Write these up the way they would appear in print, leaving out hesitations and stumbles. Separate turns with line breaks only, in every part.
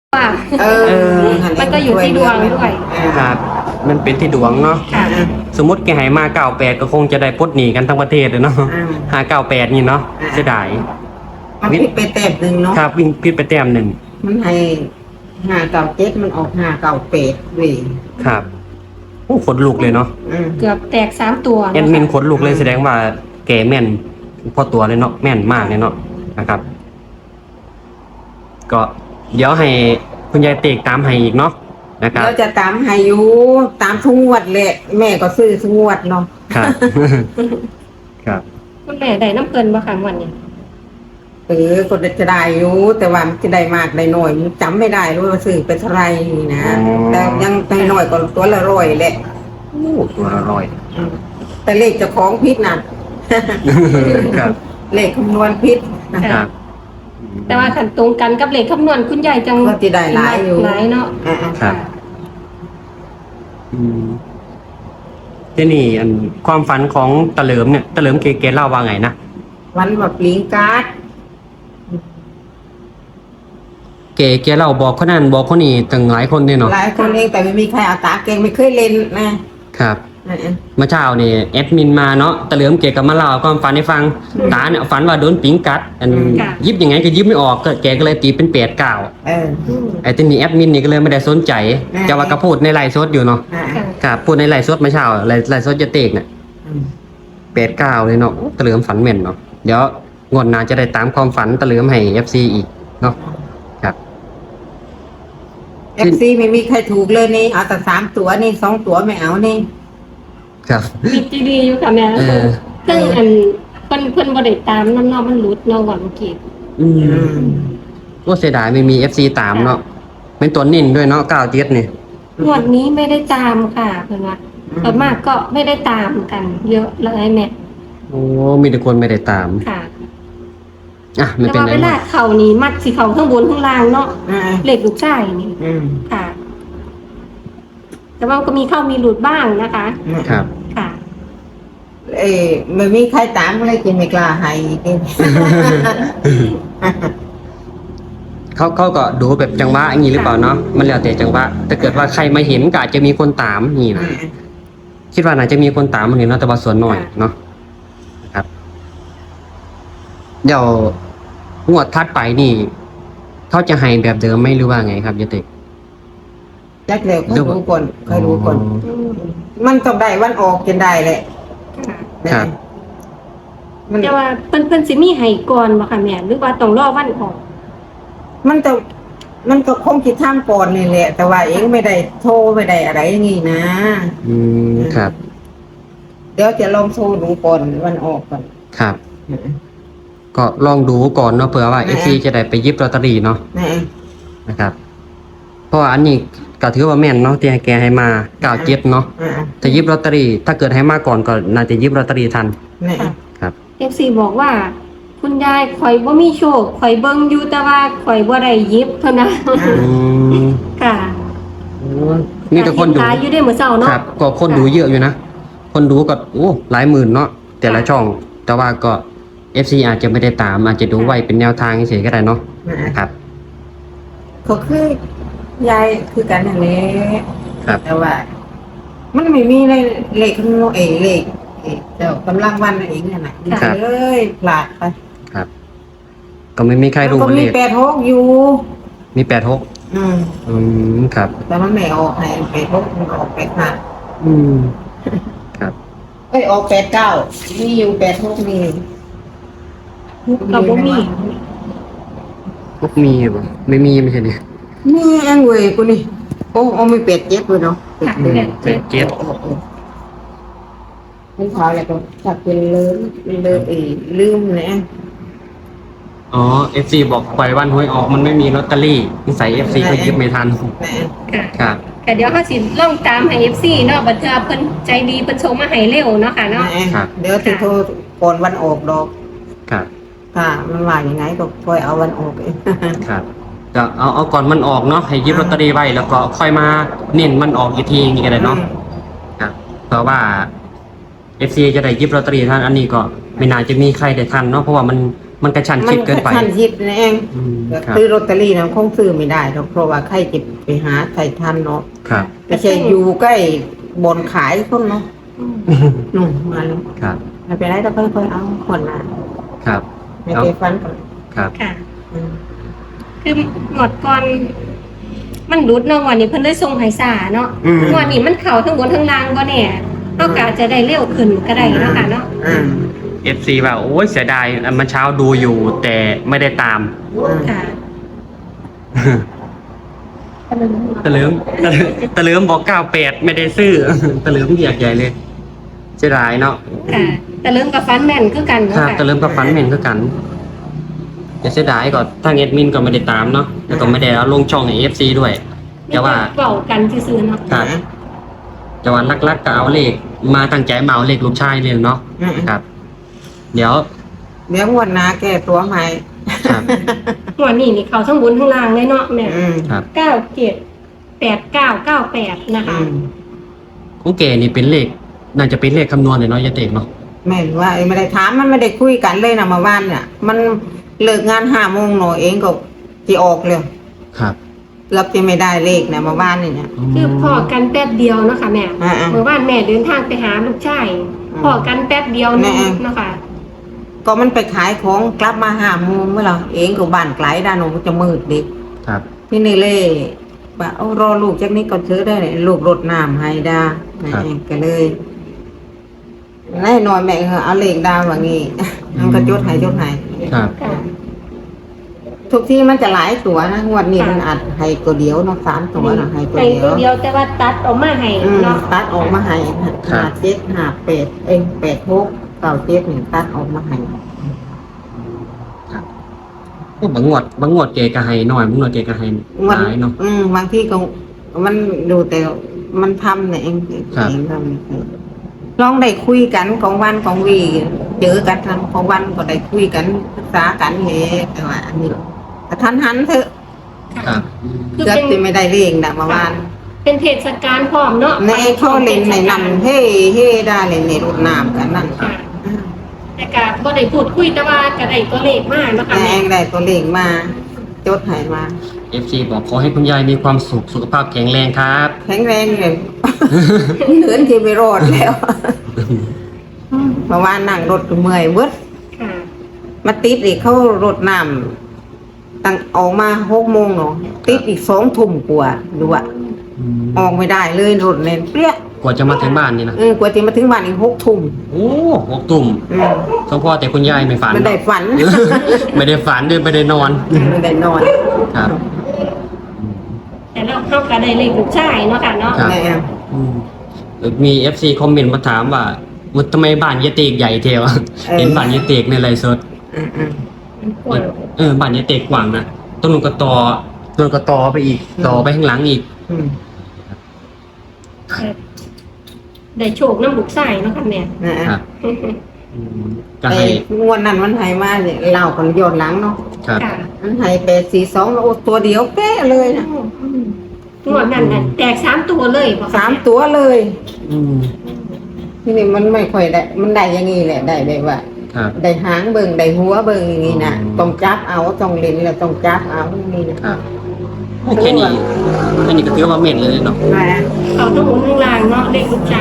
ว่า
เออ
มันก็อยู่ที่ดวงด้วย
ครับ มันเป็นที่ดวงเนาะ
ค่ะ
สมมติแกหายมา98ก็คงจะได้ปลดหนี้กันทั้งประเทศเลยเนาะ598นี่เนาะเสียดาย
มันผิดไปแต้มหนึ่งเนาะ
ครับวิ่งพิดไปแต้มหนึ่ง
มันให้597มันออก598เว้ย
ครับโอ้ขนลุกเลยเนาะ
เกือบแตก3 ตัว
แอดมินขนลุกเลยแสดงว่าแกแม่นพอตัวเลยเนาะแม่นมากเลยเนาะนะครับ ก็เดี๋ยวให้คุณยายเตกตามให้อีกเนาะนะครับ
เราจะตามให้อยู่ตามทุกงวดแหละแม่ก็ซื้อทุกงวดเนาะ
ครับ ครับ
คุณแม่ได้น้ำเกินบ่ค่ะวันนี้
ก็จะได้อยู่แต่ว่ามันจะได้มากได้น้อยมันจำไม่ได้ว่าซื้อเป็นเท่าไหรนี่นะ
อ๋อ
แต่ยังได้น้อยก็ตัวละร้อยแหละ
โอ้ตัวละร้อย
แต่เลขเจ้าของพิษน่ะ
ครับ
เลขคำนวณพิษ
ครับ
แต่ว่าขันตรงกันกับเลขคำนวณคุณยายจัง
ก็จะได้หลายอยู่
หลายเนาะ
ครับ อืมที่นี่อันความฝันของตะเหลิมเนี่ยตะเหลิมเกเล่าว่าไงนะ
วันแบบลิงการ์ด
เกเล่าบอกคนนั้นบอกคนนี้ตั้งหลายคนเนี่ยเนาะ
หลายคนเองแต่ไม่มีใครเอาตาเก่งไม่เคยเล่นนะครับ
เมื่อเช้านี่แอดมินมาเนาะตะเหลิมเกก็มาเล่าความฝันให้ฟังตาเนี่ยฝันว่าโดนปิงกัด อันยิบยังไงก็ยิบไม่ออกก็แกก็เลยตีเป็น8-9ไอ้ที่นี่แอดมินนี่ก็เลยไม่ได้สนใจจะว่าก็พูดในไลฟ์สดอยู่เนาะครับพูดในไลฟ์สดเมื่อเช้าไลฟ์สดจะเตกเนี่ย8-9เลยเนาะตะเหลิมฝันแม่นเนาะเดี๋ยวงวดหน้าจะได้ตามความฝันตะเหลิมให้ FC อีกเนาะครับ
FC ไม่มีใครถูกเลยนี่เอาแต่3 ตัวนี่2 ตัวไม่เอานี่
ครับ
มีจีดีอยู่ค่ะแม่
เออ
ซึ่งอันเพิ่นบ่ได้ตามน้ำเนาะมันหลุดเนาะวันเมื่อกี้
ก็เสียดายไม่มี FC ตามเนาะเป็นตัวนิ่นด้วยเนาะ97นี่
งวดนี้ไม่ได้ตามค่ะเพิ่นว่าส่วนมากก็ไม่ได้ตามกัน เยอะเลยแม่
โอ้มีแต่คนไม่ได้ตาม
ค่ะ
อ่ะไม่
แต่
เป็น
ว่า
ไร
เวลาเข่านี่มัดสิเข่าข้างบนข้างล่างเนาะ
อ่า
เลขลูกชายนี่ค่ะ แต่ว่าก็มีเข้ามีหลุดบ้างนะคะ
ครับ
ค่ะ
ไม่มีใครตามเลยกินไม่กล้าให้กิน
เขาก็ดูแบบจังหวะอย่างนี้หรือเปล่าเนาะมันแล้วแต่จังหวะถ้าเกิดว่าใครมาเห็นก็อาจจะมีคนตามนี่นะคิดว่าน่าจะมีคนตามมันนี่เนาะแต่ว่าส่วนน้อยเนาะนะครับ เดี๋ยวงวดทัดไปนี่เขาจะให้แบบเดิมไหมหรือว่าไงครับยติ
แรกเลยค่อยรู้ก่อนค่อยรู้ก่อน มันต้องได้วันออกจนได้แหละ
ครับ
มัน
แต่ว่าเพิ่นสิมีให้ก่อนบ่ค่ะแม่หรือว่าต้องรอวันออก
มันก็คงคิดท่ามก่อนนี่แหละ แต่ว่าเองไม่ได้โทรไม่ได้อะไรอย่างงี้นะ
ครับ
เดี๋ยวจะลองโทรดูก่อนวันออกก่อน
ครับ ก็ลองดูก่อนเนาะเผื่อว่า FC จะได้ไปหยิบลอตเตอรี่เนาะ
นะ
นะครับ เพราะว่าอันนี้ก็ถือว่าแม่นเนาะที่ให้แกให้มา97เนาะจะหยิบลอตเตอรี่ถ้าเกิดให้มาก่อนก็น่าจะหยิบลอตเตอรี่ทัน ครับ
FC บอกว่า คุณยายข่อยบ่มีโชคข่อยเบิ่งอยู่แต่ว่าข่อยบ่ได้หยิบเท่านั้น ค่ะ
มีแต่คนดู
ตายอยู่ได้มื้อเช้าเนาะ
ครับ ก็คนดูเยอะอยู่นะ คนดูก็โอ้หลายหมื่นเนาะแต่ละช่อง แต่ว่าก็ FC อาจจะไม่ได้ตามอาจจะดูไว้เป็นแนวทางเฉยๆก็ได้เนาะครับ
ก็คือยายคือกันนั่นแหละ
ครับ
แต่ว่า มันไม่มีเลขข้างนอกเลขเจ้ากำลังวันเองนั่นน่ะเลยพลาดไป
ครับ ก็ไม่มีใครรู้
ก็
เล
มี
ข
86อยู่
มี86ครับ
แต่มันไม่ออกให้86มันออก85
ครับ
ออก89มีอยู่86มี
ก็บ่มี
พวกมีบ่ไม่มีไม่ใช่เนี่ย
นี่เองเว้ยกูนี่โอ้มีเป็ดเจ็บเลยเนาะ
ค่ะ
เจ็ด
มันพอแล้วก็จับเป็นเลยลืมนะ
อ๋อ FC บอกปล่อยวันหวยออกมันไม่มีลอตเตอรี่นิสัย FC ก็หยิบไม่ทัน
ค่ะ
ครับ
แต่เดี๋ยวเขาสิลองตามให้ FC เนาะบัดเทื่อเพิ่นใจดีเพิ่นส่งมาให้เร็วเนาะค่ะเนาะ
เดี๋ยวที่โทรก่อนวันออกดอก
ครับ
ค่ะมันว่าอย่างไงก็ค่อยเอาวันออกเอง
ครับก็เอาก่อนมันออกเนาะให้หยิบลอตเตอรี่ไว้แล้วก็ค่อยมาเน้นมันออกอีกทีอย่างนี้ก็ได้เนาะครับเพราะว่า FC จะได้หยิบลอตเตอรี่ทันอันนี้ก็ไม่น่าจะมีใครได้ทันเนาะเพราะว่ามันมันกระชันชิดเกินไป
มันกระชั้นชิดนั่นเอง
อืมครับ
ซื้อลอตเตอรี่นะคงซื้อไม่ได้หรอกเพราะว่าใครจะไปหาใส่ทันเนาะ
ครับ
ไม่ใช่อยู่ใกล้บนขายคนเนาะนู่นมาแล้ว
ครับ
ไม่เป็นไรเราค่อยๆเอาคนละ
ครับ
ไม่ไปฟันก่อน
ครับ
ค่ะ
อืม
คือหมดก่อนมันรุดเนาะวันนี้เพิ่นเลยส่งให้สาเนาะ
อืม
วันนี้มันเข้าทั้งบนทั้งล่างบ่แน่เฮาก็อาจจะได้เร็วขึ้นก็ได้เนาะค่ะเนาะ
อืม
FC ว่าโอ้ยเสียดายเมื่อเช้าดูอยู่แต่ไม่ได้ตาม
ค่ะ
ตะลืมตะลืมบอก98ไม่ได้ซื้อ ตะลืมเรียกใหญ่เลยเสียดายเนาะ
ค่ะ แต่เริ่มกับฟันแม่นคือกันเนาะ
ครับ
ค่ะ
ตะลืมกับฟันเหม็นก็กันแต่เสียดายก็ทางแอดมินก็ไม่ได้ตามเนาะแล้วก็ไม่ได้เอาลงช่องใน FC ด้วยแต่ว่า
เว้ากันซื่อๆเนาะ
ครับแต่ว่าลักๆก็เอาเลขมาตั้งใจมาเอาเลขลูกชายเลยเนาะ
อืม
ครับ เดี๋ยว
เดี๋ยวงวดหน้าแก้ตัวใหม่
ครับ
วันนี้นี่เข้าทั้งบนทั้งล่างเลยเนาะแม่
อืม
ครับ
978998นะคะ
อืม
ของเก๋นี่เป็นเลขน่าจะเป็นเลขคำนวณเลยเนาะยายเตกเนาะ
แม่นว่าไม่ได้ถามมันไม่ได้คุยกันเลยนะเมื่อวานเนี่ย มันเลิกงาน5 โมงหน่อยเองก็จะออกเลย
ครับ
เกือบจะไม่ได้เลขนะเมื่อวานนี่เนี่ย
คือพอกันแป๊บเดียวเนาะค่ะแม่
อ่าๆ
เมื่อวานแม่เดินทางไปหาลูกชายพอกันแป๊บเดียวนึง
แม่
เนาะค่ะ
ก็มันไปขายของกลับมา5 โมงเมื่อเราเองก็บ้านไกลด้านโน้นจะมืดดิ
ครับ
พี่นี่เล่ว่าเอารอลูกจากนี้ก่อนซื้อได้เลยลูกรดน้ำให้ดาแม่เองก็เลยแน่นอนแม่เอาเลขดาวว่างี้ มันก็จดให้
ครับ
ค่ะ
ทุกที่มันจะหลายตัวนะงวดนี้มันอัดให้ตัวเดียวเนาะ3 ตัวนะให้ตัว
ให้
เดี
ตัว
ยว
เดียวแต่ว่าตัดออกมาให้
อืม
เนาะ
ตัดออกมาให้57 5886 97นี่ตัดออกมาให้
บางงวดเก๋ก็ให้น้อยบางงวดเก๋ก็ให้หลายเนาะ
บางที่ก็มันดูแต่มันทำเนี่ยเอง
ครับ
เองทำลองได้คุยกันของวันของวีเจอกันทำของวันก็ได้คุยกันศึกษากันเฮแต่ว่าอันนี้กระทันหันเถอะ
ครับ
คือ
เกือบ
เป็น
จะไม่ได้เรียงนะเมื่อวาน
เป็นเทศกาลพร้อมเนาะ
ในเขาเล่นในนำเฮ่เฮ่ได้เลยในรถน้ำกันนั่น
ค่ะแต่ก็บ่ได้พูดคุยแต่ว่าก็ได้ตัวเลขมาเนาะค่ะ
แอ
แม่
งได้ตัวเลขมาจดให้มา
FC บอกขอให้คุณยายมีความสุขสุขภาพแข็งแรงครับ
แข็งแรงเลยเหลือนที่ไปรอดแล้วเมื่อวานนั่งรถก็เมื่อยเวิด
ค่ะ
มาติดอีกเขารดน้ำตั้งออกมา6 โมงเนาะติดอีก2 ทุ่มกว่าดูอะออกไม่ได้เลยรถเนี่ยเปรี้ย
กว่าจะมาถึงบ้านนี่นะ
กว่าจะมาถึงบ้านอีก6 ทุ่ม
โอ้6 ตุ่ม
อืม
สมพอแต่คุณยายไม่ฝัน
มันได้ฝัน
ไม่ได้ฝันด้วยไม่ได้นอน
มันได้นอน
ครับ
แต่เราเข้าก็ได้เลขลูกชายเนาะค่ะเนาะ
ครับ
แม่
มี FC คอมเมนต์มาถามว่ามุดทำไมบ้านยายเตกใหญ่เทวะเห็นบ้านยายเตกในไลฟ์สด
อืม
มันกว้าง
บ้านยายเตกกว้างนะต้นนุกระตอต้นกระตอไปอีกต่อไปข้างหลังอีก
อืม
ได้โชคน้ำลูกชายเนาะค่ะแม่
ครับก็
แต่
ให้
งวดนั้นมันให้มาเนี่ยเล่ากันย้อนหลังเนาะ
ครับ
ค่ะ
มันให้842แล้วโอ้ตัวเดียวเป๊ะเลยนะ
งวดนั้นน่ะแตก3 ตัวเลยบ่คะ
3 ตัวเลย
อืม
ทีนี้มันไม่ค่อยได้มันได้อย่างงี้แหละได้แบบว่า
ครับ
ได้หางเบิ่งได้หัวเบิ่งอย่างงี้นะ
อืม
ต้องจับเอาต้องเล่นแล้วต้องจับเอาอย่างนี้นะครับ
แค่นี้ก็ถือว่าเม็ดเลยเนาะ
นะ
เขาต้องหมุนข้างล่างเนาะเลขลูกชาย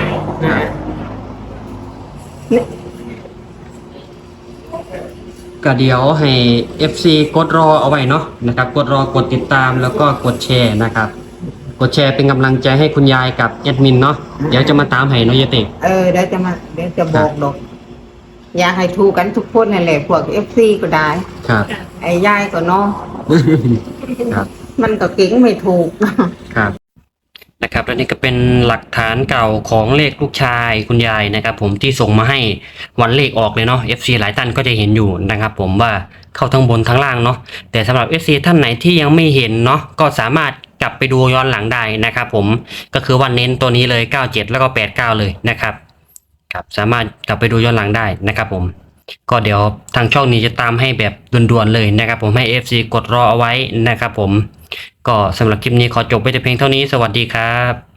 ก็เดี๋ยวให้ FC กดรอเอาไว้เนาะนะครับกดรอกดติดตามแล้วก็กดแชร์นะครับ กดแชร์เป็นกำลังใจให้คุณยายกับแอดมินเนาะเดี๋ยวจะมาตามให้เนาะยายเตก
เดี๋ยวจะบอกดอกอยากให้ถูกกันทุกคนนั่นแหละพวก FC ก็ได้
ครับ
ค่ะ
ไอ้ยายก็เนาะ
ครับ
มันก็เก่งไม่ถูก
ครับนะครับและนี่ก็เป็นหลักฐานเก่าของเลขลูกชายคุณยายนะครับ ผมที่ส่งมาให้วันเลขออกเลยเนาะ FC หลายท่านก็จะเห็นอยู่นะครับ ผมว่าเข้าทั้งบนทั้งล่างเนาะแต่สำหรับ FC ท่านไหนที่ยังไม่เห็นเนาะก็สามารถกลับไปดูย้อนหลังได้นะครับ ผมก็คือวันเน้นตัวนี้เลย97แล้วก็89เลยนะครับครับสามารถกลับไปดูย้อนหลังได้นะครับผมก็เดี๋ยวทางช่องนี้จะตามให้แบบด่วนๆเลยนะครับ ผมให้ FC กดรอเอาไว้นะครับ ผมก็สำหรับคลิปนี้ขอจบไปแต่เพียงเท่านี้สวัสดีครับ